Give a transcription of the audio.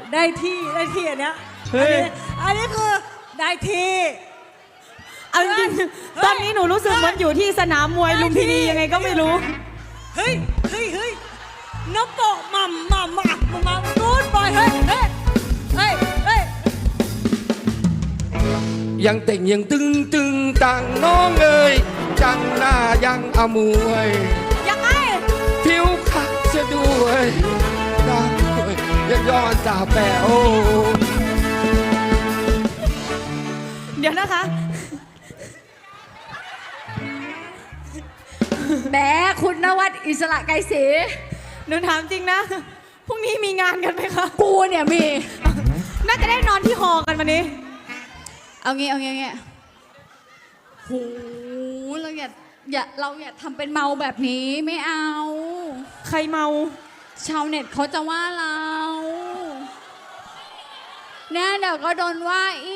ได้ที่อันเนี้ยเฮ้ยอันนี้คือได้ที่เอาจริงๆตอนนี้หนูรู้สึกเหมือนอยู่ที่สนามมวยลุมพินียังไงก็ไม่รู้เฮ้ยน้ำโปะมากูดบอยเฮ้ยยังเต่งยังตึงตังน้องเอ๋ยจังหน้ายังอมวยยังไงผิวขัดเสียด้วยตาด้วยยังย้อนตาแป๋วเดี๋ยวนะคะแหมคุณนวัดอิสระไกรศรีหนูถามจริงนะพรุ่งนี้มีงานกันไหมคะกูเนี่ยมีน่าจะได้นอนที่หอกันวันนี้เอางี้โหเราอย่าทำเป็นเมาแบบนี้ไม่เอาใครเมาชาวเน็ตเขาจะว่าเราเนี่ยเดี๋ยวก็โดนว่าอี